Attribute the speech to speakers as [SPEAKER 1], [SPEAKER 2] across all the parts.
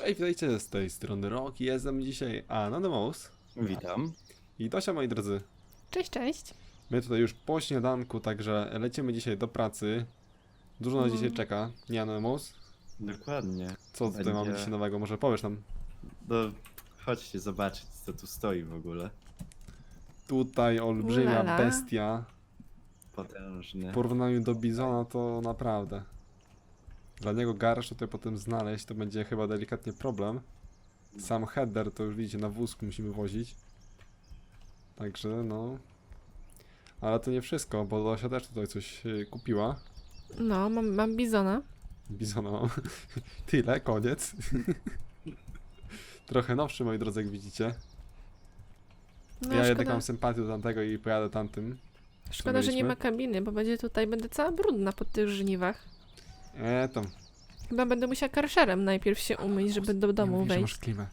[SPEAKER 1] Cześć, witajcie z tej strony Roki, jestem dzisiaj Anonymous
[SPEAKER 2] Witam.
[SPEAKER 1] i Dosia, moi drodzy.
[SPEAKER 3] Cześć, cześć.
[SPEAKER 1] My tutaj już po śniadanku, także lecimy dzisiaj do pracy. Dużo nas dzisiaj czeka, nie Anonymous?
[SPEAKER 2] Dokładnie.
[SPEAKER 1] Co tutaj
[SPEAKER 2] Będzie-
[SPEAKER 1] mamy dzisiaj nowego, może powiesz nam?
[SPEAKER 2] No, chodźcie zobaczyć, co tu stoi w ogóle.
[SPEAKER 1] Tutaj olbrzymia
[SPEAKER 3] Ulala.
[SPEAKER 1] bestia,
[SPEAKER 2] Potężny.
[SPEAKER 1] w porównaniu do Bizona to naprawdę. Dla niego garaż tutaj potem znaleźć to będzie chyba delikatnie problem. Sam header to już widzicie, na wózku musimy wozić. Także no... Ale to nie wszystko, bo Dosia też tutaj coś kupiła.
[SPEAKER 3] No, mam bizona.
[SPEAKER 1] Bizona mam. Tyle, koniec. Trochę nowszy, moi drodzy, jak widzicie.
[SPEAKER 3] No,
[SPEAKER 1] Ja jednak
[SPEAKER 3] szkoda,
[SPEAKER 1] mam sympatię do tamtego i pojadę tamtym.
[SPEAKER 3] szkoda, że nie
[SPEAKER 1] mieliśmy.
[SPEAKER 3] ma kabiny, bo będę cała brudna po tych żniwach.
[SPEAKER 1] Tam.
[SPEAKER 3] Chyba będę musiała karszerem najpierw się umyć, żeby do domu
[SPEAKER 1] Mówisz, że masz
[SPEAKER 3] wejść.
[SPEAKER 1] klimę.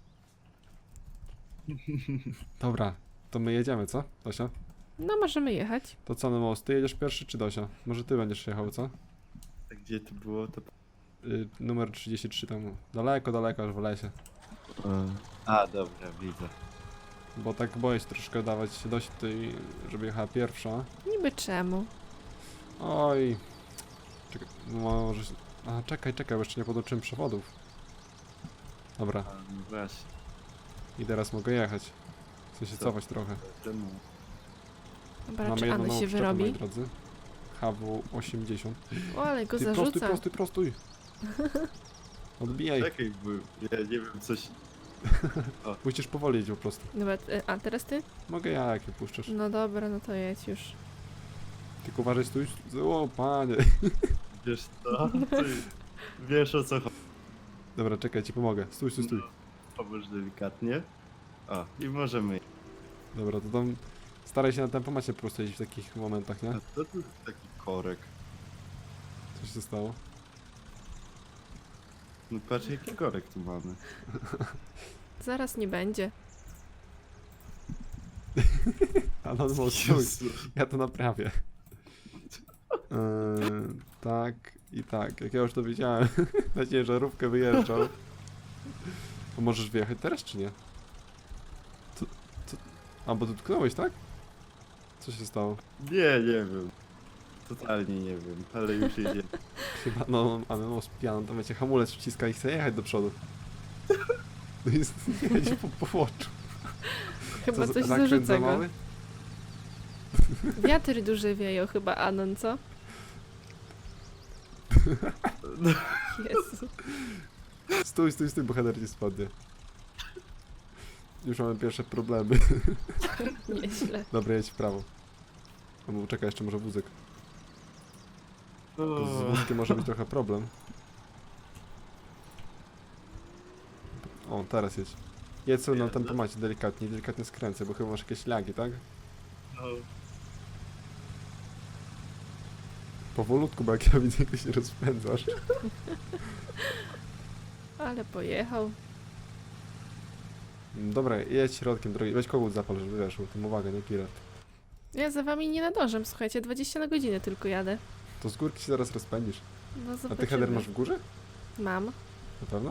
[SPEAKER 1] Dobra, to my jedziemy, co, Dosia?
[SPEAKER 3] No, możemy jechać.
[SPEAKER 1] To co, no ty jedziesz pierwszy czy Dosia? Może ty będziesz jechał, co?
[SPEAKER 2] A gdzie to było? To...
[SPEAKER 1] Numer 33 tam. Daleko, daleko, aż w lesie.
[SPEAKER 2] A, dobra, widzę.
[SPEAKER 1] Bo tak boję się troszkę dawać Dosi tutaj, żeby jechała pierwsza.
[SPEAKER 3] Niby czemu?
[SPEAKER 1] Oj. Czekaj, no może... A, czekaj, bo jeszcze nie podłączyłem przewodów. Dobra,
[SPEAKER 2] A, no właśnie.
[SPEAKER 1] i teraz mogę jechać. Chcę się
[SPEAKER 2] Co?
[SPEAKER 1] cofać trochę.
[SPEAKER 2] Czemu?
[SPEAKER 3] Dobra,
[SPEAKER 1] Mamy
[SPEAKER 3] czy
[SPEAKER 1] jedną
[SPEAKER 3] Ano
[SPEAKER 1] nową
[SPEAKER 3] się
[SPEAKER 1] przyczepę, moi
[SPEAKER 3] wyrobi?
[SPEAKER 1] drodzy. HW80.
[SPEAKER 3] O, ale go
[SPEAKER 1] Ty
[SPEAKER 3] zarzuca.
[SPEAKER 1] prostuj. Odbijaj.
[SPEAKER 2] Czekaj, bo ja nie wiem, coś...
[SPEAKER 1] Musisz powoli jeździć po prostu.
[SPEAKER 3] Dobra, a teraz ty?
[SPEAKER 1] Mogę ja, jak je puszczasz.
[SPEAKER 3] No dobra, no to jedź już.
[SPEAKER 1] Tylko uważaj, stój. O, panie.
[SPEAKER 2] Wiesz co? Ty wiesz, o co chodzi.
[SPEAKER 1] Dobra, czekaj, ci pomogę. Stój.
[SPEAKER 2] Pomóż delikatnie. O, i możemy.
[SPEAKER 1] Dobra, to tam staraj się na tempomacie po prostu jeździć w takich momentach, nie?
[SPEAKER 2] A co tu taki korek?
[SPEAKER 1] Co się stało?
[SPEAKER 2] No patrz, jaki korek tu mamy.
[SPEAKER 3] Zaraz nie będzie.
[SPEAKER 1] Anonymous, stój.
[SPEAKER 2] Jezu.
[SPEAKER 1] Ja to naprawię. Tak i tak. Jak ja już to wiedziałem, na ciężarówkę wyjeżdżał. To możesz wyjechać teraz, czy nie? Co? A, bo tu tknąłeś, tak? Co się stało?
[SPEAKER 2] Nie wiem. Totalnie nie wiem, ale już jedzie.
[SPEAKER 1] Chyba, no, Anonymous pijany, to wiecie, hamulec wciska i chce jechać do przodu. No i jedzie po płoczu.
[SPEAKER 3] Chyba
[SPEAKER 1] Co,
[SPEAKER 3] coś
[SPEAKER 1] zakręt
[SPEAKER 3] zarzuca
[SPEAKER 1] za
[SPEAKER 3] go.
[SPEAKER 1] mały?
[SPEAKER 3] Wiatry duże wieją chyba, Anon, co? Jezu.
[SPEAKER 1] Stój, bo header nie spadnie. Już mamy pierwsze problemy.
[SPEAKER 3] Nieźle.
[SPEAKER 1] Dobra, jedź w prawo. Albo czekaj, jeszcze może wózek. Bo z wózkiem może być trochę problem. O, teraz jedź. Jedź sobie na tempomacie delikatnie skręcę, bo chyba masz jakieś lagi, tak?
[SPEAKER 2] No,
[SPEAKER 1] Powolutku, bo jak ja widzę, jak ty się rozpędzasz.
[SPEAKER 3] Ale pojechał.
[SPEAKER 1] Dobra, jedź środkiem drogi. Weź kogut zapal, żeby wiesz, tym uwagę, nie pirat.
[SPEAKER 3] Ja za wami nie nadążam, słuchajcie, 20 na godzinę tylko jadę.
[SPEAKER 1] To z górki się zaraz rozpędzisz.
[SPEAKER 3] No
[SPEAKER 1] A
[SPEAKER 3] zobaczymy.
[SPEAKER 1] ty header masz w górze?
[SPEAKER 3] Mam.
[SPEAKER 1] Na pewno?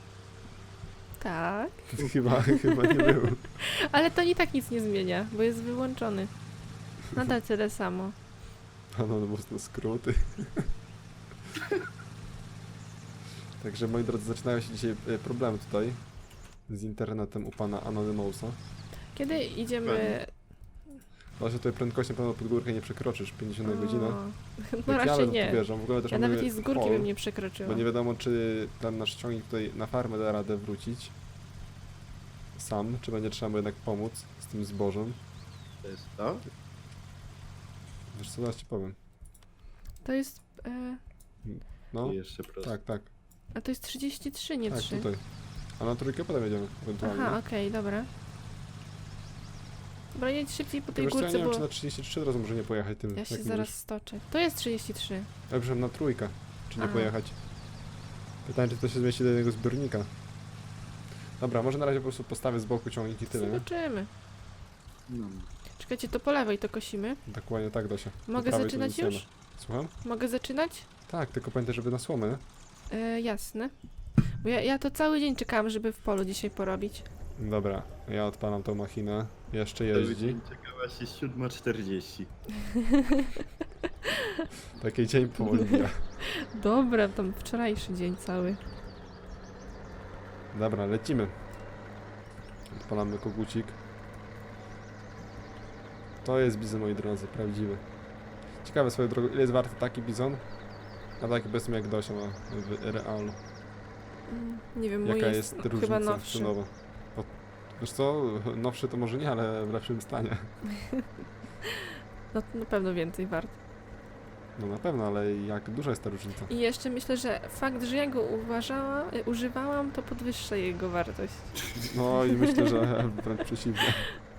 [SPEAKER 3] Tak.
[SPEAKER 1] Chyba nie był.
[SPEAKER 3] Ale to i tak nic nie zmienia, bo jest wyłączony. Nadal tyle samo.
[SPEAKER 1] No mocno skróty. Także moi drodzy, zaczynają się dzisiaj problemy tutaj z internetem u pana Anonymousa.
[SPEAKER 3] Kiedy idziemy...
[SPEAKER 1] Właśnie tutaj prędkością pewno pod górkę nie przekroczysz 50 na godzinę.
[SPEAKER 3] No
[SPEAKER 1] Jak ja
[SPEAKER 3] raczej
[SPEAKER 1] bym
[SPEAKER 3] nie.
[SPEAKER 1] tu wjeżdżam, w ogóle też
[SPEAKER 3] Ja
[SPEAKER 1] mamy
[SPEAKER 3] nawet i z górki
[SPEAKER 1] hol,
[SPEAKER 3] bym nie przekroczyła.
[SPEAKER 1] bo nie wiadomo, czy ten nasz ciągnik tutaj na farmę da radę wrócić sam, czy będzie trzeba mu jednak pomóc z tym zbożem.
[SPEAKER 2] to jest to?
[SPEAKER 1] Wiesz co, zaraz ci powiem.
[SPEAKER 3] To jest...
[SPEAKER 1] No,
[SPEAKER 2] Tu jeszcze prosto.
[SPEAKER 1] tak,
[SPEAKER 3] a to jest 33, nie
[SPEAKER 1] tak,
[SPEAKER 3] 3.
[SPEAKER 1] tutaj. A na trójkę potem jedziemy, ewentualnie.
[SPEAKER 3] Aha, okej, dobra. Dobra, jedź szybciej po tej
[SPEAKER 1] Wiesz co, ja nie
[SPEAKER 3] górce,
[SPEAKER 1] wiem, czy
[SPEAKER 3] bo
[SPEAKER 1] na 33 teraz może nie pojechać tym,
[SPEAKER 3] ja się
[SPEAKER 1] jak
[SPEAKER 3] zaraz
[SPEAKER 1] mówisz.
[SPEAKER 3] stoczę. To jest 33.
[SPEAKER 1] Ja przepraszam, na trójkę, czy nie
[SPEAKER 3] Aha.
[SPEAKER 1] pojechać. Pytanie, czy to się zmieści do jednego zbiornika. Dobra, może na razie po prostu postawię z boku ciągnik i tyle, nie?
[SPEAKER 3] Zobaczymy.
[SPEAKER 2] No.
[SPEAKER 3] Czekajcie, to po lewej to kosimy.
[SPEAKER 1] Dokładnie tak, Dosia. Po
[SPEAKER 3] Mogę
[SPEAKER 1] prawej to
[SPEAKER 3] zaczynać
[SPEAKER 1] wytniemy.
[SPEAKER 3] już?
[SPEAKER 1] Słucham?
[SPEAKER 3] Mogę zaczynać?
[SPEAKER 1] Tak, tylko pamiętaj, żeby na słomę, nie?
[SPEAKER 3] Jasne. Bo ja to cały dzień czekałam, żeby w polu dzisiaj porobić.
[SPEAKER 1] Dobra, ja odpalam tą machinę. Jeszcze
[SPEAKER 2] Cały
[SPEAKER 1] jeździ.
[SPEAKER 2] dzień czekałaś jest 7:40.
[SPEAKER 1] Taki dzień powoli mija.
[SPEAKER 3] Dobra, tam wczorajszy dzień cały.
[SPEAKER 1] Dobra, lecimy. Odpalamy kogucik. To jest bizon, moi drodzy, prawdziwy. Ciekawe swoją drogą, ile jest warty taki bizon? A taki powiedzmy jak Dosia ma w realu.
[SPEAKER 3] Nie wiem, mój
[SPEAKER 1] Jaka
[SPEAKER 3] jest
[SPEAKER 1] jest
[SPEAKER 3] chyba
[SPEAKER 1] różnica
[SPEAKER 3] nowszy.
[SPEAKER 1] cenowa? Bo, wiesz co, nowszy to może nie, ale w lepszym stanie.
[SPEAKER 3] No to na pewno więcej wart.
[SPEAKER 1] No na pewno, ale jak duża jest ta różnica?
[SPEAKER 3] I jeszcze myślę, że fakt, że ja go używałam, to podwyższa jego wartość.
[SPEAKER 1] No i myślę, że wręcz przeciwnie.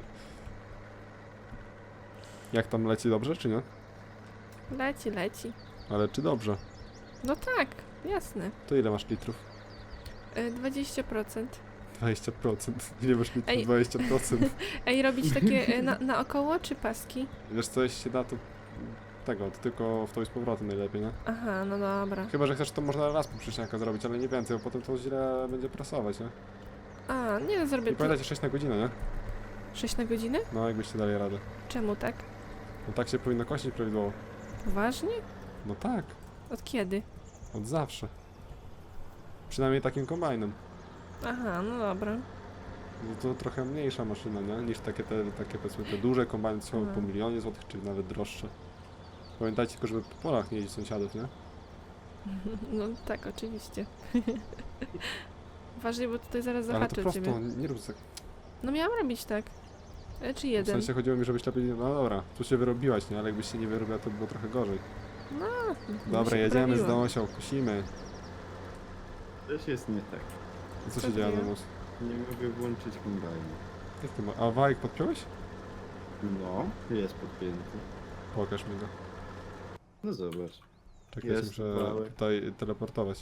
[SPEAKER 1] Jak tam leci dobrze, czy nie?
[SPEAKER 3] Leci, leci.
[SPEAKER 1] Ale czy dobrze?
[SPEAKER 3] No tak, jasne.
[SPEAKER 1] To ile masz litrów?
[SPEAKER 3] 20%.
[SPEAKER 1] 20%. Ile masz litrów?
[SPEAKER 3] Ej.
[SPEAKER 1] 20%.
[SPEAKER 3] Ej, robić takie naokoło czy paski?
[SPEAKER 1] Wiesz co, jeśli się da, to tego, to tylko w to i z powrotem najlepiej, nie?
[SPEAKER 3] Aha, no dobra.
[SPEAKER 1] Chyba, że chcesz, to można raz poprzeczniaka zrobić, ale nie więcej, bo potem to źle będzie prasować, nie?
[SPEAKER 3] A, nie, no zrobię
[SPEAKER 1] I pamiętajcie 6 na godzinę, nie?
[SPEAKER 3] 6 na godzinę?
[SPEAKER 1] No, jakbyście dali radę.
[SPEAKER 3] Czemu tak?
[SPEAKER 1] No tak się powinno kosić prawidłowo.
[SPEAKER 3] Poważnie?
[SPEAKER 1] No tak,
[SPEAKER 3] Od kiedy?
[SPEAKER 1] od zawsze. Przynajmniej takim kombajnem.
[SPEAKER 3] Aha, no dobra.
[SPEAKER 1] No to trochę mniejsza maszyna, nie? Niż takie powiedzmy te duże kombajny, co są
[SPEAKER 3] Mhm.
[SPEAKER 1] po milionie złotych, czy nawet droższe. Pamiętajcie tylko, żeby po polach nie jeździć sąsiadów, nie?
[SPEAKER 3] No tak, oczywiście. Uważaj, bo tutaj zaraz
[SPEAKER 1] Ale to
[SPEAKER 3] zahaczę
[SPEAKER 1] prosto,
[SPEAKER 3] ciebie.
[SPEAKER 1] nie rób tak.
[SPEAKER 3] No miałam robić tak. Czy
[SPEAKER 1] W
[SPEAKER 3] jeden?
[SPEAKER 1] sensie chodziło mi, żebyś lepiej... No dobra, tu się wyrobiłaś, nie? Ale jakbyś się nie wyrobiła, to było trochę gorzej.
[SPEAKER 3] No,
[SPEAKER 1] Dobra,
[SPEAKER 3] się
[SPEAKER 1] jedziemy z
[SPEAKER 3] poprawiłam.
[SPEAKER 1] Dosią, kusimy.
[SPEAKER 2] Też jest nie tak.
[SPEAKER 1] I co
[SPEAKER 3] Co
[SPEAKER 1] się dzieje,
[SPEAKER 3] dzieje?
[SPEAKER 1] Adamus?
[SPEAKER 2] Nie mogę włączyć kombajnu.
[SPEAKER 1] Jak ty ma... A wajek podpiąłeś?
[SPEAKER 2] No, jest podpięty.
[SPEAKER 1] Pokaż mi go.
[SPEAKER 2] No zobacz.
[SPEAKER 1] Czekaj,
[SPEAKER 2] Jest
[SPEAKER 1] muszę
[SPEAKER 2] wałek.
[SPEAKER 1] tutaj teleportować.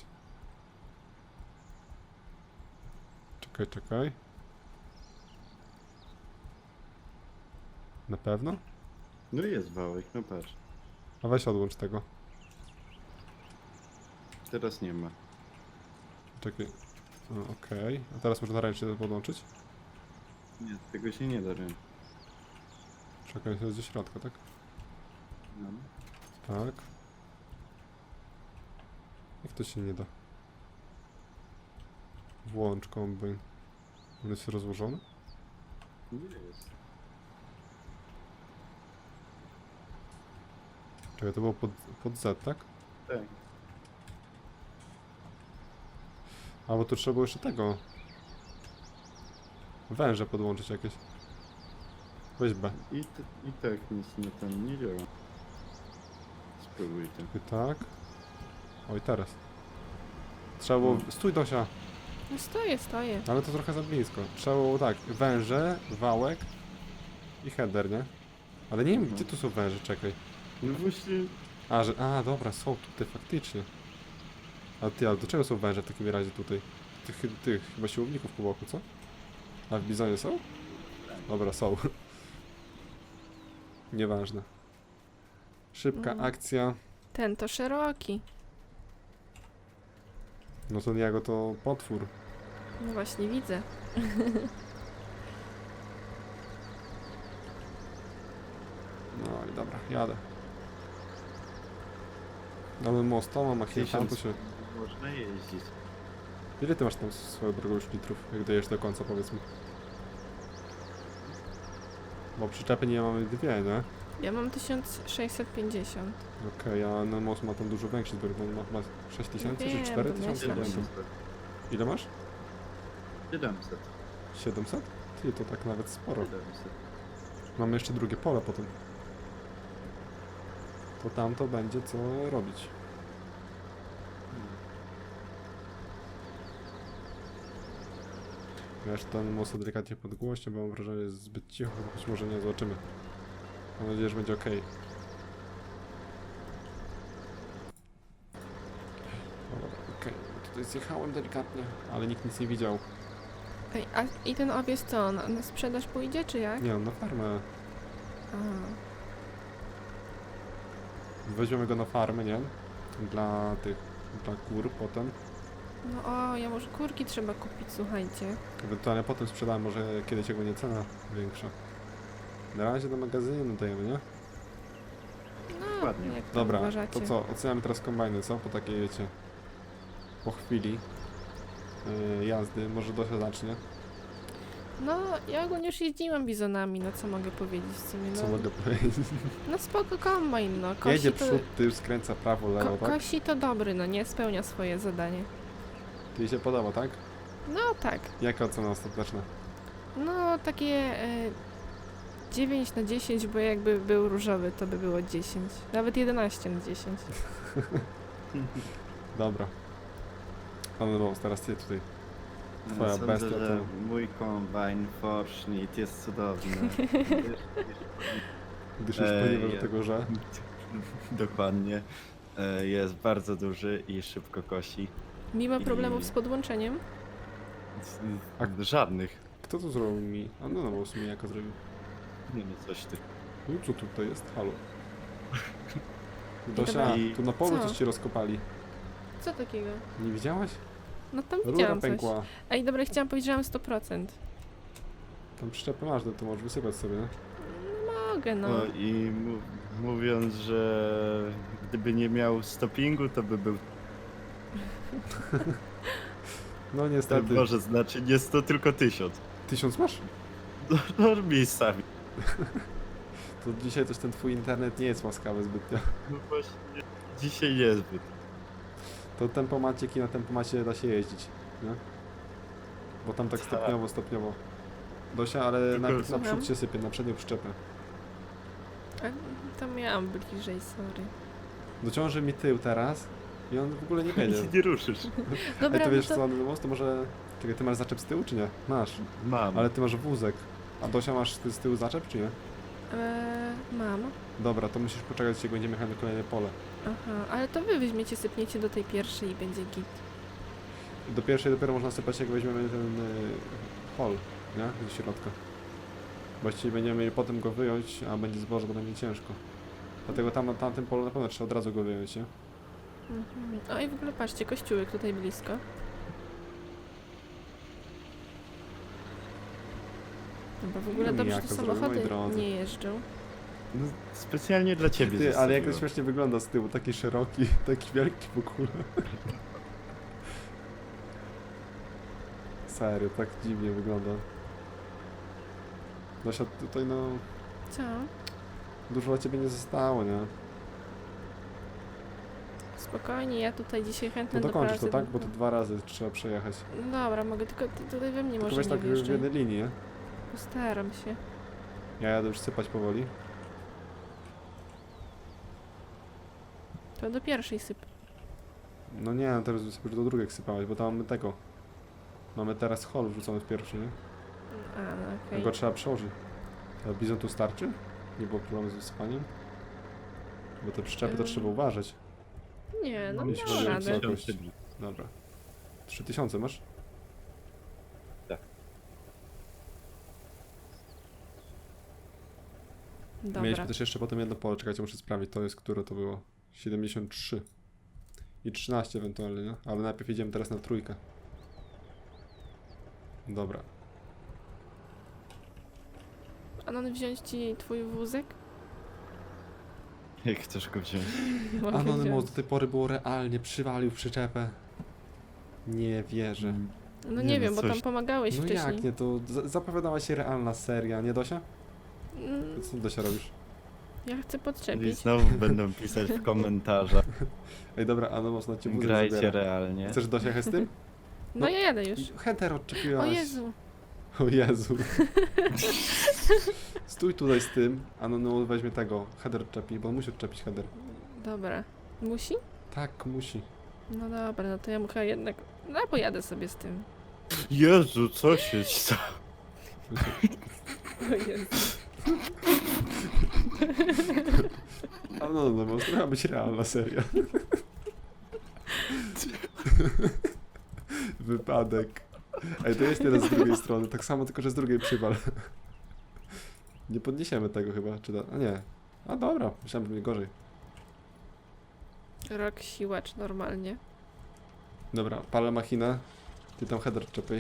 [SPEAKER 1] Czekaj, czekaj. Na pewno?
[SPEAKER 2] No i jest wałek, no patrz.
[SPEAKER 1] A weź odłącz tego.
[SPEAKER 2] Teraz nie ma.
[SPEAKER 1] Czekaj. Okej. A teraz można ręcznie to podłączyć?
[SPEAKER 2] Nie, tego się nie da ręcznie.
[SPEAKER 1] Czekaj, to jest ze środka, tak?
[SPEAKER 2] No.
[SPEAKER 1] Tak. Jak to się nie da? Włącz kombajn. On jest rozłożony?
[SPEAKER 2] Nie jest.
[SPEAKER 1] Czekaj, to było pod Z, tak?
[SPEAKER 2] Tak.
[SPEAKER 1] A bo tu trzeba było jeszcze tego. Węże podłączyć jakieś. Weź B.
[SPEAKER 2] I tak nic na ten nie działa. Spróbuj to.
[SPEAKER 1] I tak. Oj, teraz. Trzeba było... Stój, Dosia!
[SPEAKER 3] No stoję.
[SPEAKER 1] Ale to trochę za blisko. Trzeba było tak, węże, wałek i header, nie? Ale nie wiem,
[SPEAKER 2] Mhm.
[SPEAKER 1] gdzie tu są węże, czekaj.
[SPEAKER 2] No właśnie,
[SPEAKER 1] A, dobra, są tutaj faktycznie. A ty, ale do czego są węże w takim razie tutaj? Tych chyba siłowników po boku, co? A w bizonie są? Dobra, są. Nieważne. Szybka
[SPEAKER 3] Mhm.
[SPEAKER 1] akcja.
[SPEAKER 3] Ten to szeroki.
[SPEAKER 1] No to Niago to potwór.
[SPEAKER 3] No właśnie, widzę.
[SPEAKER 1] No i dobra, jadę. Mamy most, to mam machinę, tam to
[SPEAKER 2] 1000
[SPEAKER 1] się...
[SPEAKER 2] można jeździć.
[SPEAKER 1] Ile ty masz tam swoją drogą już litrów, jak dojesz do końca, powiedzmy? Bo przyczepy nie mamy dwie, nie?
[SPEAKER 3] Ja mam 1650.
[SPEAKER 1] Okej, a no most ma tam dużo większy zbiornik, on ma 6000 czy
[SPEAKER 3] Wiem,
[SPEAKER 1] 4000?
[SPEAKER 3] domyślam
[SPEAKER 1] Nie
[SPEAKER 3] się.
[SPEAKER 1] pamiętam. Ile masz?
[SPEAKER 2] 700.
[SPEAKER 1] 700? Ty, to tak nawet sporo.
[SPEAKER 2] 700.
[SPEAKER 1] Mamy jeszcze drugie pole potem. To tam to będzie co robić. Ja jeszcze ten most delikatnie podgłośnie, bo mam wrażenie, że jest zbyt cicho, choć może nie, zobaczymy. Mam nadzieję, że będzie ok. Dobra, okej. Tutaj zjechałem delikatnie, ale nikt nic nie widział.
[SPEAKER 3] Ej, a i ten owiec co, na sprzedaż pójdzie, czy jak?
[SPEAKER 1] Nie, on na farmę.
[SPEAKER 3] A,
[SPEAKER 1] Weźmiemy go na farmę, nie? Dla kur potem.
[SPEAKER 3] No o, ja może kurki trzeba kupić, słuchajcie.
[SPEAKER 1] Ewentualnie potem sprzedałem, może kiedyś jak będzie cena większa. Na razie do magazynu dajemy, nie?
[SPEAKER 3] No,
[SPEAKER 2] Dokładnie.
[SPEAKER 3] jak tam
[SPEAKER 1] Dobra,
[SPEAKER 3] uważacie.
[SPEAKER 1] to co? Oceniamy teraz kombajny, co? Po takiej, wiecie, po chwili jazdy. Może Dosia zacznie.
[SPEAKER 3] No, ja ogólnie już jeździłam bizonami, no co mogę powiedzieć w sumie, no.
[SPEAKER 1] Co mogę powiedzieć?
[SPEAKER 3] No spoko kombajn, no. Kosi
[SPEAKER 1] Jedzie
[SPEAKER 3] to,
[SPEAKER 1] przód, tył, skręca prawo, lewo, tak?
[SPEAKER 3] kosi to dobry, no nie, spełnia swoje zadanie.
[SPEAKER 1] Jej się podoba, tak?
[SPEAKER 3] No tak,
[SPEAKER 1] Jaka ocena ostateczna?
[SPEAKER 3] no takie 9 na 10, bo jakby był różowy, to by było 10. Nawet 11 na 10.
[SPEAKER 1] Dobra. Pan Rose, teraz ty tutaj. Twoja
[SPEAKER 2] Sądzę,
[SPEAKER 1] bestia
[SPEAKER 2] że
[SPEAKER 1] to-
[SPEAKER 2] mój kombajn Forschnitt jest cudowny.
[SPEAKER 1] Gdyż już ponieważ do tego, że...
[SPEAKER 2] Dokładnie. Jest bardzo duży i szybko kosi.
[SPEAKER 3] Mimo
[SPEAKER 2] I-
[SPEAKER 3] problemów z podłączeniem,
[SPEAKER 2] Żadnych.
[SPEAKER 1] Kto to zrobił mi? A no, no, w sumie jako zrobił.
[SPEAKER 2] Nie wiem, coś ty.
[SPEAKER 1] No co tutaj jest? Halo. Dosia,
[SPEAKER 2] I-
[SPEAKER 1] tu na polu
[SPEAKER 3] Co?
[SPEAKER 1] coś ci rozkopali.
[SPEAKER 3] co takiego?
[SPEAKER 1] Nie widziałaś?
[SPEAKER 3] No tam
[SPEAKER 1] Rura
[SPEAKER 3] widziałam coś.
[SPEAKER 1] pękła.
[SPEAKER 3] Ej, dobra, chciałam powiedzieć, że mam 100%.
[SPEAKER 1] Tam przyczepę masz, to możesz wysypać sobie, nie?
[SPEAKER 3] Mogę, no.
[SPEAKER 2] No i mówiąc, że gdyby nie miał stoppingu, to by był.
[SPEAKER 1] No
[SPEAKER 2] To
[SPEAKER 1] niestety.
[SPEAKER 2] może znaczy nie 100, tylko 1000.
[SPEAKER 1] 1000 masz?
[SPEAKER 2] No miejscami.
[SPEAKER 1] To dzisiaj coś ten twój internet nie jest łaskawy zbytnio.
[SPEAKER 2] No właśnie dzisiaj niezbyt.
[SPEAKER 1] To tempomacik i na tempomacie da się jeździć, nie? Bo tam tak
[SPEAKER 2] Tak.
[SPEAKER 1] stopniowo. Dosia, ale
[SPEAKER 2] Tylko-
[SPEAKER 1] najpierw na
[SPEAKER 3] Słucham?
[SPEAKER 1] przód się sypie, na przednią przyczepę.
[SPEAKER 3] A, to miałam bliżej, sorry.
[SPEAKER 1] Dociąży mi tył teraz i on w ogóle nie wiedzie.
[SPEAKER 2] Nic nie ruszysz.
[SPEAKER 3] Dobra,
[SPEAKER 1] Ej, to
[SPEAKER 3] no
[SPEAKER 1] wiesz
[SPEAKER 3] to...
[SPEAKER 1] co, no to może... Czekaj, ty masz zaczep z tyłu, czy nie? Masz.
[SPEAKER 2] Mam.
[SPEAKER 1] Ale ty masz wózek. A Dosia masz ty z tyłu zaczep, czy nie?
[SPEAKER 3] Mam.
[SPEAKER 1] Dobra, to musisz poczekać, jak będziemy jechać na kolejne pole.
[SPEAKER 3] Aha, ale to wy weźmiecie, sypniecie do tej pierwszej i będzie git.
[SPEAKER 1] Do pierwszej dopiero można sypać, jak weźmiemy ten hol, nie? Do środka. Właściwie będziemy mieli potem go wyjąć, a będzie zboże, bo będzie ciężko. Dlatego tam na tamtym polu na pewno trzeba od razu go wyjąć, nie?
[SPEAKER 3] O i w ogóle patrzcie, kościółek tutaj blisko. Bo w ogóle
[SPEAKER 1] No
[SPEAKER 3] dobrze
[SPEAKER 1] niejako
[SPEAKER 3] tu
[SPEAKER 1] zrobił, moi
[SPEAKER 3] samochody
[SPEAKER 1] drodzy.
[SPEAKER 3] nie jeżdżą.
[SPEAKER 2] No, specjalnie dla ciebie
[SPEAKER 1] Ty, ale jak to
[SPEAKER 2] zostawiłem.
[SPEAKER 1] śmiesznie wygląda z tyłu, taki szeroki, taki wielki w ogóle. Serio, tak dziwnie wygląda. Dosia, tutaj no,
[SPEAKER 3] Co?
[SPEAKER 1] dużo dla ciebie nie zostało, nie?
[SPEAKER 3] Spokojnie, ja tutaj dzisiaj chętnie
[SPEAKER 1] No
[SPEAKER 3] do
[SPEAKER 1] dokończysz
[SPEAKER 3] pracy.
[SPEAKER 1] to, tak? Bo to 2 razy trzeba przejechać.
[SPEAKER 3] No dobra, mogę, tylko ty tutaj we mnie
[SPEAKER 1] Tylko
[SPEAKER 3] może
[SPEAKER 1] weź
[SPEAKER 3] nie
[SPEAKER 1] tak w
[SPEAKER 3] wjeżdżaj.
[SPEAKER 1] jednej linii, nie?
[SPEAKER 3] Postaram się.
[SPEAKER 1] Ja jadę już sypać powoli.
[SPEAKER 3] To do pierwszej syp.
[SPEAKER 1] No nie, no teraz sobie do drugiej sypałeś, bo tam mamy tego. Mamy teraz hol wrzucony w pierwszy, nie?
[SPEAKER 3] A, no okej.
[SPEAKER 1] Go trzeba przełożyć. A bizon tu starczy? Nie było problemu z wysypaniem? Bo te przyczepy to trzeba uważać.
[SPEAKER 3] Nie, no
[SPEAKER 1] Jeśli
[SPEAKER 3] dam
[SPEAKER 1] chodzi o
[SPEAKER 3] radę.
[SPEAKER 1] wysokość. Dobra. 3000 masz?
[SPEAKER 3] Dobra.
[SPEAKER 1] Mieliśmy też jeszcze potem jedno pole, czekajcie, muszę sprawdzić, to jest, które to było? 73. I 13 ewentualnie, nie? Ale najpierw idziemy teraz na trójkę. Dobra.
[SPEAKER 3] Anon, wziąć ci twój wózek?
[SPEAKER 2] Jak chcesz go wziąć?
[SPEAKER 3] Mogę
[SPEAKER 1] Anonymous
[SPEAKER 3] wziąć.
[SPEAKER 1] do tej pory było realnie, przywalił w przyczepę. Nie wierzę.
[SPEAKER 3] No
[SPEAKER 2] Nie
[SPEAKER 3] nie
[SPEAKER 2] no,
[SPEAKER 3] wiem, bo
[SPEAKER 2] coś-
[SPEAKER 3] tam pomagałeś
[SPEAKER 1] No
[SPEAKER 3] wcześniej.
[SPEAKER 1] jak nie, to zapowiadała się realna seria, nie Dosia?
[SPEAKER 3] Mm,
[SPEAKER 1] Co Dosia robisz?
[SPEAKER 3] Ja chcę
[SPEAKER 2] I
[SPEAKER 3] podczepić.
[SPEAKER 2] znowu będą pisać w komentarzach.
[SPEAKER 1] Ej dobra, Anonymous na cię wózek
[SPEAKER 2] Grajcie
[SPEAKER 1] zabiera.
[SPEAKER 2] realnie.
[SPEAKER 1] Chcesz Dosia jechać z tym?
[SPEAKER 3] No ja jadę już.
[SPEAKER 1] Header odczepiłaś.
[SPEAKER 3] O Jezu.
[SPEAKER 1] O Jezu. Stój tutaj z tym, Anonymous weźmie tego, header odczepi, bo on musi odczepić header.
[SPEAKER 3] Dobra. Musi?
[SPEAKER 1] Tak, musi.
[SPEAKER 3] No dobra, no to ja muszę jednak... No pojadę sobie z tym.
[SPEAKER 2] Jezu, co się stało?
[SPEAKER 3] O Jezu.
[SPEAKER 1] Anonymous, to miała być realna seria. Wypadek. Ej, to jest teraz z drugiej strony, tak samo, tylko że z drugiej przywal. Nie podniesiemy tego chyba, czy da? A nie. A dobra, myślałem, że będzie gorzej.
[SPEAKER 3] Rok siłacz normalnie.
[SPEAKER 1] Dobra, palę machinę. Ty tam header czepiej.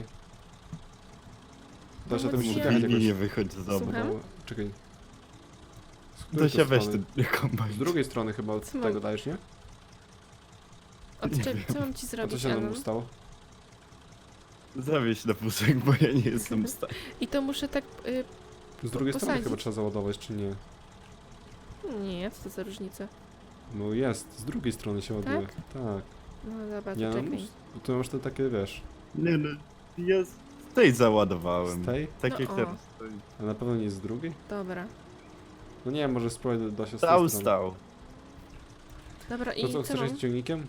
[SPEAKER 1] Dosia, ty
[SPEAKER 3] Pomóc
[SPEAKER 1] musisz
[SPEAKER 3] ci?
[SPEAKER 1] jechać
[SPEAKER 2] Mini
[SPEAKER 1] jakoś.
[SPEAKER 2] nie wychodź z domu.
[SPEAKER 3] Słucham?
[SPEAKER 1] Bo, czekaj. Z której
[SPEAKER 2] Dosia
[SPEAKER 1] to
[SPEAKER 2] weź
[SPEAKER 1] strony?
[SPEAKER 2] ten kombajn.
[SPEAKER 1] Z drugiej strony chyba od
[SPEAKER 3] Co mam-
[SPEAKER 1] tego dajesz, nie?
[SPEAKER 3] Odczep, co mam ci
[SPEAKER 1] A co
[SPEAKER 3] zrobić,
[SPEAKER 1] się nam
[SPEAKER 3] Anon?
[SPEAKER 1] stało?
[SPEAKER 2] Zawieź na wózek, bo ja nie jestem w stanie.
[SPEAKER 3] I to muszę tak...
[SPEAKER 1] Z drugiej strony
[SPEAKER 3] posadzić.
[SPEAKER 1] chyba trzeba załadować, czy nie?
[SPEAKER 3] Nie, co to za różnica?
[SPEAKER 1] No jest, z drugiej strony się ładuje. Tak.
[SPEAKER 3] No dobra, to
[SPEAKER 1] Nie no,
[SPEAKER 3] czekaj.
[SPEAKER 1] to masz te takie, wiesz,
[SPEAKER 2] Nie no, ja z tej załadowałem.
[SPEAKER 1] z tej?
[SPEAKER 2] Tak
[SPEAKER 3] No
[SPEAKER 2] jak
[SPEAKER 3] o.
[SPEAKER 2] teraz stoi.
[SPEAKER 1] A na pewno nie z drugiej?
[SPEAKER 3] Dobra.
[SPEAKER 1] No nie, może spróbuj Dosia z tej
[SPEAKER 2] Stał,
[SPEAKER 1] strony.
[SPEAKER 2] stał.
[SPEAKER 3] Dobra,
[SPEAKER 1] To
[SPEAKER 3] i
[SPEAKER 1] co, chcesz
[SPEAKER 3] mam?
[SPEAKER 1] iść ciągnikiem?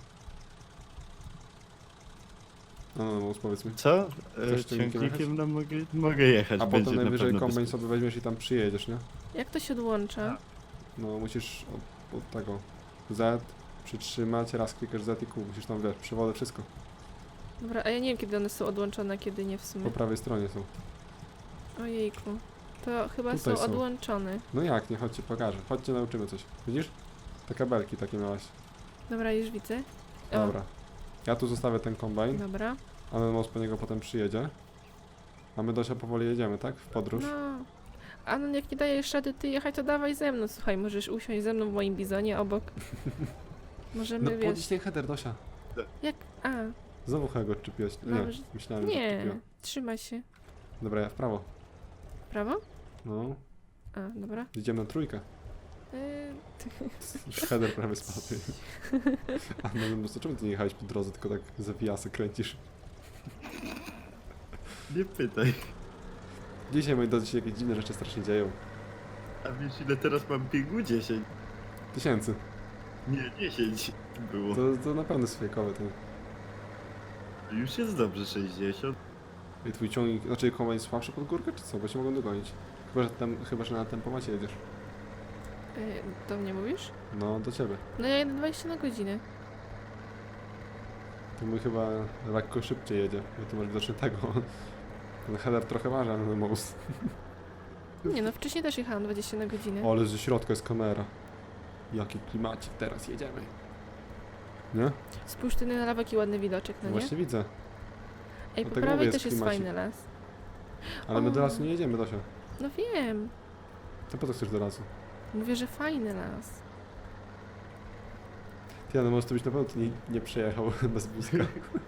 [SPEAKER 1] No, powiedz mi.
[SPEAKER 2] Co?
[SPEAKER 1] Chcesz ciągnikiem
[SPEAKER 2] Ciągnikiem no mogę jechać,
[SPEAKER 1] A
[SPEAKER 2] będzie
[SPEAKER 1] potem
[SPEAKER 2] na
[SPEAKER 1] najwyżej
[SPEAKER 2] pewno
[SPEAKER 1] kombajn
[SPEAKER 2] bezpiecznie.
[SPEAKER 1] sobie weźmiesz i tam przyjedziesz, nie?
[SPEAKER 3] Jak to się odłącza?
[SPEAKER 2] Tak.
[SPEAKER 1] No musisz od tego Z przytrzymać, raz klikasz Z i Q, musisz tam, wiesz, przewody, wszystko.
[SPEAKER 3] Dobra, a ja nie wiem, kiedy one są odłączone, a kiedy nie w sumie.
[SPEAKER 1] Po prawej stronie są.
[SPEAKER 3] Ojejku. To chyba
[SPEAKER 1] Tutaj
[SPEAKER 3] są
[SPEAKER 1] są.
[SPEAKER 3] odłączone.
[SPEAKER 1] No jak, nie, chodźcie, pokażę. Chodźcie, nauczymy coś. Widzisz? Te kabelki takie miałaś.
[SPEAKER 3] Dobra, już widzę. O,
[SPEAKER 1] Dobra. Ja tu zostawię ten kombajn,
[SPEAKER 3] Dobra.
[SPEAKER 1] a Most po niego potem przyjedzie. A my Dosia powoli jedziemy, tak? W podróż.
[SPEAKER 3] No. A no jak nie dajesz rady ty jechać, to dawaj ze mną. Słuchaj, możesz usiąść ze mną w moim bizonie obok. Możemy,
[SPEAKER 1] No
[SPEAKER 3] wiesz...
[SPEAKER 1] podnieś ten header, Dosia.
[SPEAKER 3] Jak... A,
[SPEAKER 1] Znowu go odczepiłeś. Nie,
[SPEAKER 3] Dobrze.
[SPEAKER 1] myślałem, że
[SPEAKER 3] nie.
[SPEAKER 1] odczepiła.
[SPEAKER 3] Trzymaj się.
[SPEAKER 1] Dobra, ja w prawo.
[SPEAKER 3] Prawo?
[SPEAKER 1] No,
[SPEAKER 3] A, dobra.
[SPEAKER 1] jedziemy na trójkę.
[SPEAKER 3] Yy,
[SPEAKER 1] Już header prawie spadł. A no, to czemu ty nie jechałeś po drodze, tylko tak zawijasy kręcisz?
[SPEAKER 2] Nie pytaj.
[SPEAKER 1] Dzisiaj, moi drodzy, się jakieś dziwne rzeczy strasznie dzieją.
[SPEAKER 2] A wiesz ile teraz mam biegu? 10.
[SPEAKER 1] 1000.
[SPEAKER 2] Nie, 10 było.
[SPEAKER 1] To na pewno jest fejkowe. To.
[SPEAKER 2] Już jest dobrze 60.
[SPEAKER 1] I twój ciągnik, znaczy kombajn jest słabszy pod górkę, czy co? Bo się mogą dogonić. Chyba, że na tempomacie jedziesz.
[SPEAKER 3] do mnie mówisz?
[SPEAKER 1] No, do ciebie.
[SPEAKER 3] No ja jedę 20 na godzinę.
[SPEAKER 1] To mój chyba lekko szybciej jedzie, bo tu masz widocznie tego. Ten header trochę waży, ale most.
[SPEAKER 3] Nie no, wcześniej też jechałam 20 na godzinę.
[SPEAKER 1] O, ale ze środka jest kamera. Jaki klimacik, teraz jedziemy. Nie?
[SPEAKER 3] Spójrz ty na lawek i ładny widoczek, no nie?
[SPEAKER 1] Właśnie widzę.
[SPEAKER 3] Ej, po
[SPEAKER 1] dlatego
[SPEAKER 3] prawej
[SPEAKER 1] mówię,
[SPEAKER 3] też
[SPEAKER 1] jest
[SPEAKER 3] jest
[SPEAKER 1] klimacik.
[SPEAKER 3] fajny las.
[SPEAKER 1] Ale my do
[SPEAKER 3] O.
[SPEAKER 1] lasu nie jedziemy, Dosia.
[SPEAKER 3] No wiem.
[SPEAKER 1] To po co chcesz do lasu?
[SPEAKER 3] Mówię, że fajny las.
[SPEAKER 1] Ty, no może to byś na pewno tu nie przejechał bez wózka.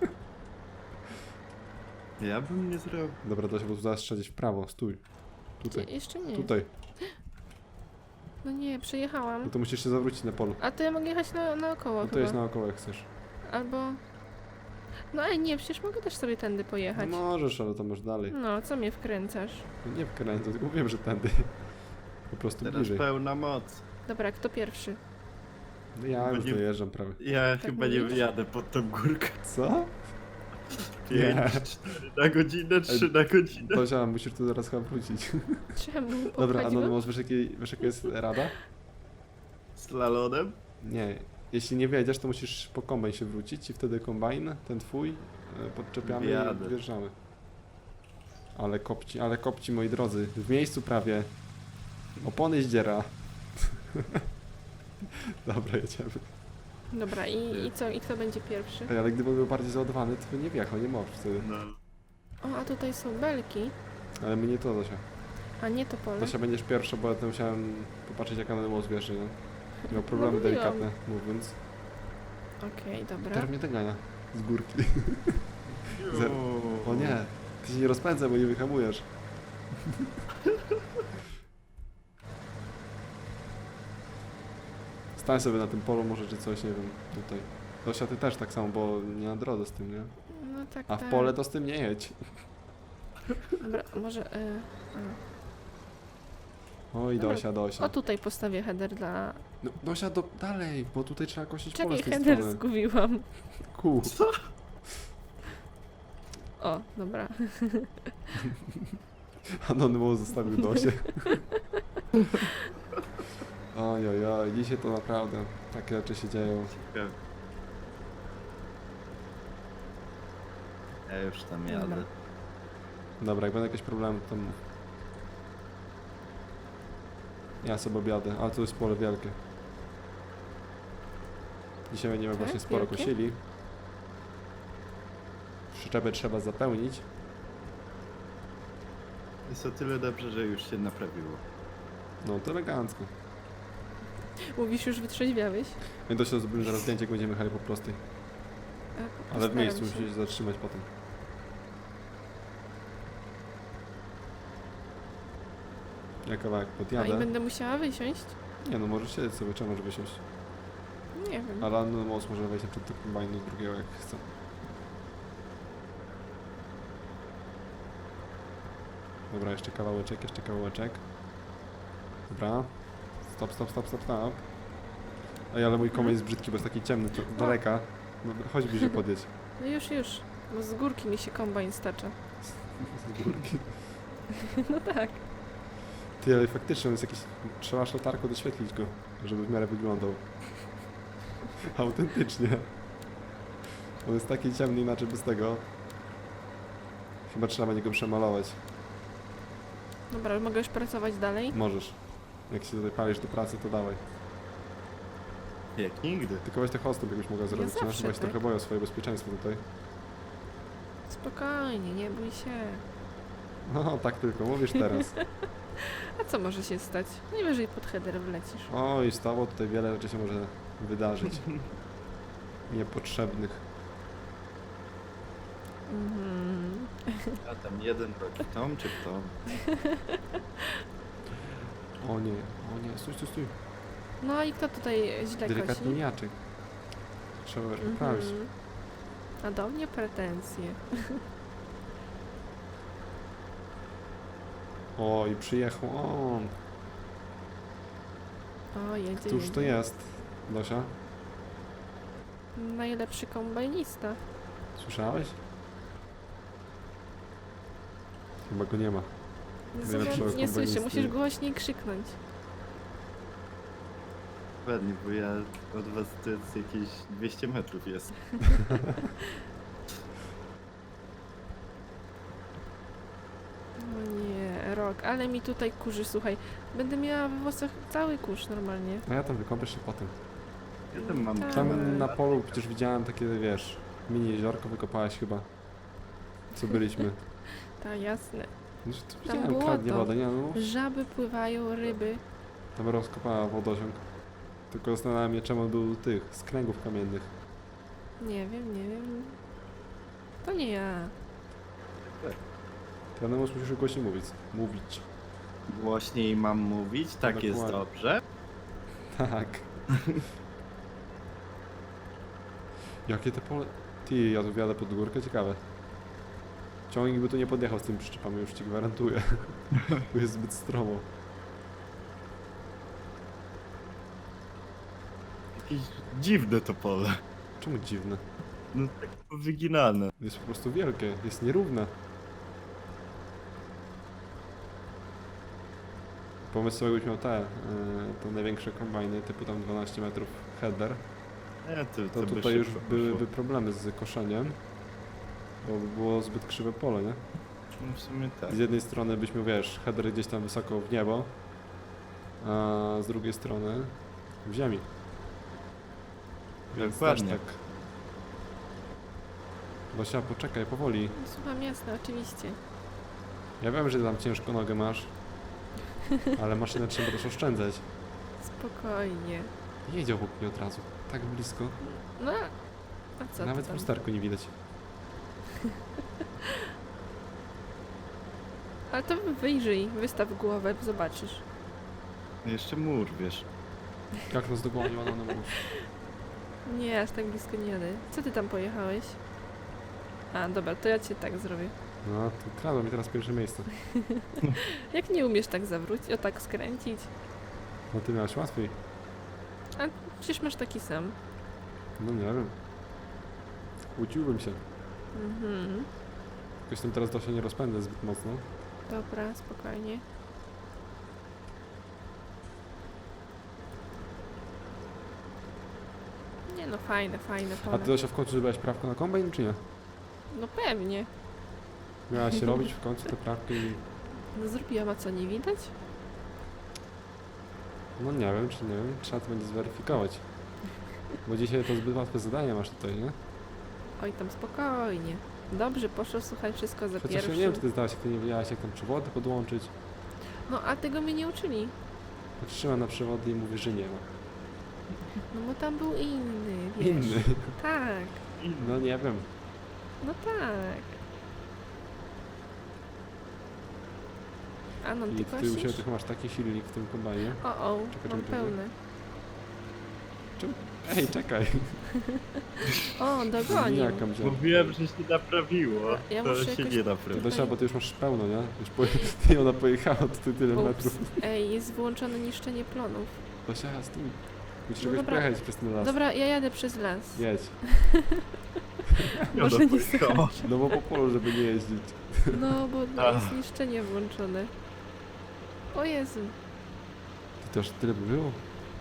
[SPEAKER 2] Ja bym nie zrobił.
[SPEAKER 1] Dobra, Dosia, bo tu zaraz trzeba gdzieś w prawo, stój. Tutaj,
[SPEAKER 3] Jeszcze nie.
[SPEAKER 1] tutaj.
[SPEAKER 3] No nie, przejechałam.
[SPEAKER 1] No to musisz się zawrócić na polu.
[SPEAKER 3] A to ja mogę jechać naokoło
[SPEAKER 1] No to
[SPEAKER 3] chyba.
[SPEAKER 1] jest naokoło jak chcesz.
[SPEAKER 3] Albo... No ej, nie, przecież mogę też sobie tędy
[SPEAKER 1] No
[SPEAKER 3] pojechać.
[SPEAKER 1] możesz, ale to masz dalej.
[SPEAKER 3] No, co mnie wkręcasz?
[SPEAKER 1] No nie wkręcę, tylko wiem, że tędy. Po prostu
[SPEAKER 2] Teraz
[SPEAKER 1] bliżej.
[SPEAKER 2] pełna moc.
[SPEAKER 3] Dobra, kto pierwszy?
[SPEAKER 1] No ja już
[SPEAKER 2] nie-
[SPEAKER 1] dojeżdżam prawie.
[SPEAKER 2] Ja chyba nie
[SPEAKER 3] mówisz?
[SPEAKER 2] jadę pod tą górkę.
[SPEAKER 1] Co?
[SPEAKER 2] 5,
[SPEAKER 1] Nie.
[SPEAKER 2] 4 na godzinę, 3 na godzinę.
[SPEAKER 1] Dosia, musisz tu zaraz chyba wrócić.
[SPEAKER 3] Czemu?
[SPEAKER 1] Dobra, a
[SPEAKER 3] Pochodziło?
[SPEAKER 1] no wiesz, jaka jest rada?
[SPEAKER 2] Slalonem?
[SPEAKER 1] Nie. Jeśli nie wiedziesz, to musisz po kombajn się wrócić i wtedy kombajn, ten twój, podczepiamy
[SPEAKER 2] Jadę.
[SPEAKER 1] i wjeżdżamy. Ale kopci, moi drodzy. W miejscu prawie. Opony zdziera. Dobra, jedziemy.
[SPEAKER 3] Dobra, i co? I kto będzie pierwszy?
[SPEAKER 1] Ej, ale gdyby był bardziej załadowany, to by nie wjechał, nie możesz wtedy.
[SPEAKER 2] No.
[SPEAKER 3] O, a tutaj są belki.
[SPEAKER 1] Ale my nie to, Dosia.
[SPEAKER 3] A nie to pole.
[SPEAKER 1] Dosia będziesz pierwsza, bo ja tam musiałem popatrzeć, jak na most wjeżdża, nie? Miał problemy
[SPEAKER 3] mówiłam.
[SPEAKER 1] delikatne, mówiąc.
[SPEAKER 3] Okej, dobra.
[SPEAKER 1] Ter mnie dogania z górki. Zer-
[SPEAKER 2] Juuu.
[SPEAKER 1] O nie, ty się nie rozpędzaj, bo nie wyhamujesz. Stań sobie na tym polu może, czy coś, nie wiem, tutaj. Dosia, ty też tak samo, bo nie na drodze z tym, nie?
[SPEAKER 3] No tak,
[SPEAKER 1] A w
[SPEAKER 3] tak.
[SPEAKER 1] pole to z tym nie jedź.
[SPEAKER 3] Dobra, może...
[SPEAKER 1] Oj,
[SPEAKER 3] Dobra.
[SPEAKER 1] Dosia, Dosia.
[SPEAKER 3] O, tutaj postawię header dla...
[SPEAKER 1] No, Dosia, dalej, bo tutaj trzeba kosić pole
[SPEAKER 3] Czekaj,
[SPEAKER 1] z tej
[SPEAKER 3] header
[SPEAKER 1] strony.
[SPEAKER 3] zgubiłam.
[SPEAKER 1] Ku.
[SPEAKER 2] Co?
[SPEAKER 3] O, dobra.
[SPEAKER 1] Anonymous zostawił Dosię. Oj, dzisiaj to naprawdę takie rzeczy się dzieją.
[SPEAKER 2] Ciekawe. Ja już tam
[SPEAKER 3] Dobra.
[SPEAKER 2] jadę.
[SPEAKER 1] Dobra, jak będą jakieś problemy, to mów. Ja sobie objadę, ale to jest pole wielkie. Dzisiaj będziemy
[SPEAKER 3] Tak?
[SPEAKER 1] właśnie sporo
[SPEAKER 3] Wielkie?
[SPEAKER 1] kosili. przyczepę trzeba zapełnić.
[SPEAKER 2] Jest o tyle dobrze, że już się naprawiło.
[SPEAKER 1] No to elegancko.
[SPEAKER 3] Mówisz, już wytrzeźwiałeś?
[SPEAKER 1] My to się zrobimy zaraz zdjęcie, jak będziemy jechali po prostej. Ale w
[SPEAKER 3] Postaram
[SPEAKER 1] miejscu
[SPEAKER 3] się.
[SPEAKER 1] musimy się zatrzymać potem. Ja kawałek
[SPEAKER 3] A i
[SPEAKER 1] podjadę.
[SPEAKER 3] będę musiała wysiąść?
[SPEAKER 1] Nie no, możesz siedzieć sobie, trzeba może wysiąść.
[SPEAKER 3] Nie wiem.
[SPEAKER 1] Ale no, most może wejść przed tym kombajnu drugiego jak chce. Dobra, jeszcze kawałeczek, jeszcze kawałeczek. Dobra. Stop, stop, stop, stop, stop. Ej, ale mój kombajn jest brzydki, bo jest taki ciemny, to daleka. No, chodź bliżej podjedź.
[SPEAKER 3] No już. No z górki mi się kombajn stacza.
[SPEAKER 1] Z górki.
[SPEAKER 3] No tak.
[SPEAKER 1] Ty, ale faktycznie on jest jakiś... Trzeba szlatarką doświetlić go, żeby w miarę wyglądał. Autentycznie. On jest taki ciemny, inaczej bez tego. Chyba trzeba będzie go przemalować.
[SPEAKER 3] Dobra, mogę już pracować dalej?
[SPEAKER 1] Możesz. Jak się tutaj palisz do pracy, to dawaj.
[SPEAKER 2] Jak nigdy.
[SPEAKER 1] Tylko weź te hosty, jakbyś mogła zrobić, nie?
[SPEAKER 3] zawsze
[SPEAKER 1] Chyba się
[SPEAKER 3] tak.
[SPEAKER 1] trochę boję o swoje bezpieczeństwo tutaj.
[SPEAKER 3] Spokojnie, nie bój się.
[SPEAKER 1] No, tak tylko, mówisz teraz.
[SPEAKER 3] A co może się stać? Najwyżej pod header wlecisz.
[SPEAKER 1] Oj, z tobą tutaj wiele rzeczy się może wydarzyć. Niepotrzebnych.
[SPEAKER 3] Mhm.
[SPEAKER 2] A tam jeden robi w tą czy w tą.
[SPEAKER 1] O nie, stój, stój, stój.
[SPEAKER 3] No i kto tutaj źle
[SPEAKER 1] Delikatny
[SPEAKER 3] kosi?
[SPEAKER 1] mijaczek. Trzeba poprawić.
[SPEAKER 3] Mhm. A do mnie pretensje.
[SPEAKER 1] O, i przyjechał on.
[SPEAKER 3] O, jedzie,
[SPEAKER 1] Któż to
[SPEAKER 3] jedzie.
[SPEAKER 1] jest, Dosia?
[SPEAKER 3] Najlepszy kombajnista.
[SPEAKER 1] Słyszałeś? Chyba go nie ma.
[SPEAKER 3] Nie
[SPEAKER 1] Najlepszego
[SPEAKER 3] słyszę,
[SPEAKER 1] kombanisty.
[SPEAKER 3] musisz głośniej krzyknąć.
[SPEAKER 2] Ładnie, bo ja od was to jest jakieś 200 metrów jest.
[SPEAKER 3] No nie, rok, ale mi tutaj kurzy, słuchaj. Będę miała we włosach cały kurz normalnie.
[SPEAKER 1] A ja tam wykąpię się potem.
[SPEAKER 2] Ja tam mam
[SPEAKER 3] Tak.
[SPEAKER 1] Tam na polu przecież widziałem takie, wiesz, mini jeziorko wykopałaś chyba. Co byliśmy.
[SPEAKER 3] Tak, jasne.
[SPEAKER 1] No, to
[SPEAKER 3] Tam
[SPEAKER 1] widziałem,
[SPEAKER 3] było
[SPEAKER 1] kradnie
[SPEAKER 3] to.
[SPEAKER 1] wodę, nie no.
[SPEAKER 3] Żaby pływają, ryby.
[SPEAKER 1] Tam rozkopała wodociąg. Tylko zastanawiam się, czemu on był tych, z kręgów kamiennych.
[SPEAKER 3] Nie wiem. To nie ja.
[SPEAKER 1] Trenemus musisz głośniej mówić.
[SPEAKER 2] Głośniej mam mówić, tak jest
[SPEAKER 1] Dokładnie.
[SPEAKER 2] dobrze.
[SPEAKER 1] Tak. Jakie te pole... Ty, ja tu wjadę pod górkę, ciekawe. Ciągnik by tu nie podjechał z tymi przyczepami, już ci gwarantuję. Bo jest zbyt stromo.
[SPEAKER 2] Jakieś dziwne to pole.
[SPEAKER 1] Czemu dziwne?
[SPEAKER 2] No tak wyginane.
[SPEAKER 1] Jest po prostu wielkie, jest nierówne. Pomysł sobie, jakbyś miał te największe kombajny, typu tam 12 metrów header,
[SPEAKER 2] Nie,
[SPEAKER 1] to
[SPEAKER 2] by
[SPEAKER 1] tutaj już
[SPEAKER 2] szybko
[SPEAKER 1] byłyby
[SPEAKER 2] poszło.
[SPEAKER 1] problemy z koszeniem, bo by było zbyt krzywe pole, nie?
[SPEAKER 2] No w sumie tak.
[SPEAKER 1] Z jednej strony byśmy, wiesz, header gdzieś tam wysoko w niebo, a z drugiej strony w ziemi. Więc
[SPEAKER 2] Dokładnie.
[SPEAKER 1] też tak. Dosia, poczekaj, powoli.
[SPEAKER 3] Słucham, jasne, oczywiście.
[SPEAKER 1] Ja wiem, że ty tam ciężko nogę masz, ale maszynę trzeba też oszczędzać.
[SPEAKER 3] Spokojnie.
[SPEAKER 1] Jedzie obok mnie od razu, tak blisko.
[SPEAKER 3] No, a co
[SPEAKER 1] Nawet
[SPEAKER 3] ty
[SPEAKER 1] w
[SPEAKER 3] tam?
[SPEAKER 1] lusterku nie widać.
[SPEAKER 3] Ale to wyjrzyj, wystaw głowę, zobaczysz.
[SPEAKER 2] Jeszcze mur, wiesz.
[SPEAKER 1] Jak nas dogonił, ona na mórz.
[SPEAKER 3] Nie, aż tak blisko nie jadę. Co ty tam pojechałeś? A, dobra, to ja cię tak zrobię.
[SPEAKER 1] No, to kradło mi teraz pierwsze miejsce.
[SPEAKER 3] Jak nie umiesz tak zawrócić, o tak skręcić?
[SPEAKER 1] No ty miałeś łatwiej.
[SPEAKER 3] A przecież masz taki sam.
[SPEAKER 1] No nie wiem. Kłóciłbym się.
[SPEAKER 3] Mhm.
[SPEAKER 1] Jakoś tym teraz to się nie rozpędzę zbyt mocno.
[SPEAKER 3] Dobra, spokojnie. Nie no, fajne
[SPEAKER 1] A
[SPEAKER 3] pole.
[SPEAKER 1] ty Dosia w końcu zrobiłaś prawko na kombajn, czy nie?
[SPEAKER 3] No pewnie.
[SPEAKER 1] Miałaś się robić w końcu te prawki i...
[SPEAKER 3] No zrobiłam, a co, nie widać?
[SPEAKER 1] No nie wiem, czy nie wiem. Trzeba to będzie zweryfikować. Bo dzisiaj to zbyt łatwe zadanie masz tutaj, nie?
[SPEAKER 3] Oj, tam spokojnie. Dobrze, poszło, słuchaj, wszystko za
[SPEAKER 1] Chociaż ja nie wiem,
[SPEAKER 3] pierwszym.
[SPEAKER 1] czy ty zdałaś, jak ty nie wiedziałaś, jak tam przewody podłączyć.
[SPEAKER 3] No, a tego mnie nie uczyli.
[SPEAKER 1] Trzyma na przewody i mówi, że nie ma.
[SPEAKER 3] No bo tam był inny, wiesz.
[SPEAKER 1] Inny.
[SPEAKER 3] Tak,
[SPEAKER 1] No nie wiem.
[SPEAKER 3] no tak. Anon, ty
[SPEAKER 1] I ty u siebie
[SPEAKER 3] kosisz?
[SPEAKER 1] tylko masz taki silnik w tym kombajnie.
[SPEAKER 3] O,
[SPEAKER 1] Czekaj,
[SPEAKER 3] mam
[SPEAKER 1] czekaj.
[SPEAKER 3] pełne.
[SPEAKER 1] Ej, czekaj.
[SPEAKER 3] O, dogonił.
[SPEAKER 1] Jaka mnie.
[SPEAKER 2] Mówiłem, że się naprawiło.
[SPEAKER 3] Ja
[SPEAKER 2] To
[SPEAKER 3] muszę
[SPEAKER 2] się
[SPEAKER 3] jakoś-
[SPEAKER 2] nie
[SPEAKER 1] Ty
[SPEAKER 2] naprawiło.
[SPEAKER 1] Dosia, bo ty już masz pełno, nie? Już ty ona pojechała tutaj tyle
[SPEAKER 3] Ups.
[SPEAKER 1] metrów.
[SPEAKER 3] Ej, jest wyłączone niszczenie plonów.
[SPEAKER 1] Dosia, stój. Musisz
[SPEAKER 3] No
[SPEAKER 1] jakoś
[SPEAKER 3] dobra.
[SPEAKER 1] przejechać przez ten las.
[SPEAKER 3] Dobra, ja jadę przez las.
[SPEAKER 1] Jedź.
[SPEAKER 3] Może
[SPEAKER 2] Ona
[SPEAKER 3] nie
[SPEAKER 2] pojechała.
[SPEAKER 1] No bo po polu, żeby nie jeździć.
[SPEAKER 3] No, bo
[SPEAKER 2] Ach.
[SPEAKER 3] jest niszczenie włączone. O Jezu.
[SPEAKER 1] To też tyle by było.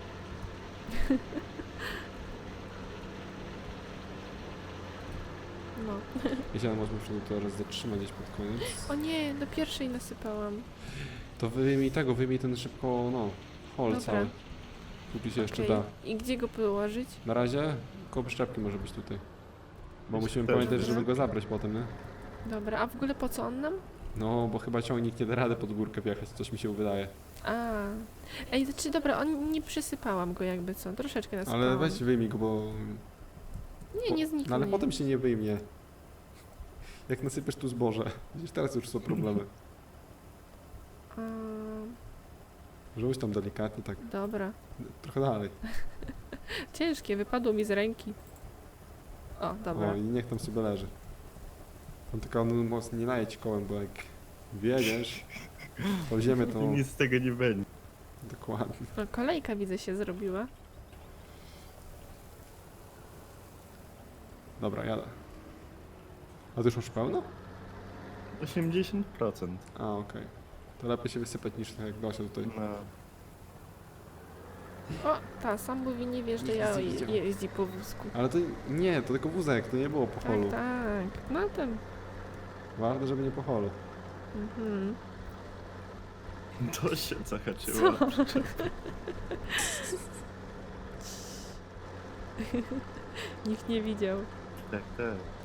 [SPEAKER 3] No.
[SPEAKER 1] Jeśli możemy się to teraz zatrzymać gdzieś pod koniec.
[SPEAKER 3] O nie, do pierwszej nasypałam.
[SPEAKER 1] To wyjmij ten szybko, no, hol
[SPEAKER 3] Dobra.
[SPEAKER 1] cały. Póki się jeszcze
[SPEAKER 3] Okej.
[SPEAKER 1] da.
[SPEAKER 3] I gdzie go położyć?
[SPEAKER 1] Na razie koło przyczepki może być tutaj. Bo
[SPEAKER 2] Jest
[SPEAKER 1] musimy
[SPEAKER 2] też.
[SPEAKER 1] pamiętać,
[SPEAKER 3] Dobra.
[SPEAKER 1] żeby go zabrać potem, nie?
[SPEAKER 3] Dobra, a w ogóle po co on nam?
[SPEAKER 1] No, bo chyba ciągnik nie da rady pod górkę wjechać, coś mi się wydaje.
[SPEAKER 3] A. Ej, znaczy dobra, on nie przysypałam go jakby co, troszeczkę nasypałam.
[SPEAKER 1] Ale weź wyjmij go, bo...
[SPEAKER 3] Nie, nie zniknie.
[SPEAKER 1] No ale potem się nie wyjmie. Jak nasypiesz tu zboże. Widzisz, teraz już są problemy.
[SPEAKER 3] A,
[SPEAKER 1] Rzuć tam delikatnie, tak
[SPEAKER 3] dobra.
[SPEAKER 1] trochę dalej.
[SPEAKER 3] Ciężkie, wypadło mi z ręki. O, dobra.
[SPEAKER 1] O, i niech tam sobie leży. Tam tylko mocno nie najedź kołem, bo jak wiedziesz, to ziemię to...
[SPEAKER 2] I nic z tego nie będzie.
[SPEAKER 1] Dokładnie.
[SPEAKER 3] No, kolejka widzę się zrobiła.
[SPEAKER 1] Dobra, jadę. A ty już masz pełno?
[SPEAKER 2] 80%.
[SPEAKER 1] A, okej. To lepiej się wysypać niż tak jak Dosia tutaj.
[SPEAKER 2] No.
[SPEAKER 3] O, ta, sam mówi nie wiesz, że ja
[SPEAKER 1] Jeździ, widział.
[SPEAKER 3] jeździ po wózku.
[SPEAKER 1] Ale to nie, to tylko wózek, to nie było po holu.
[SPEAKER 3] Tak, tak. No ten.
[SPEAKER 1] Ważne, żeby nie po holu.
[SPEAKER 3] Mhm.
[SPEAKER 2] To się zahaczyło.
[SPEAKER 3] Nikt nie widział.
[SPEAKER 2] Tak, tak.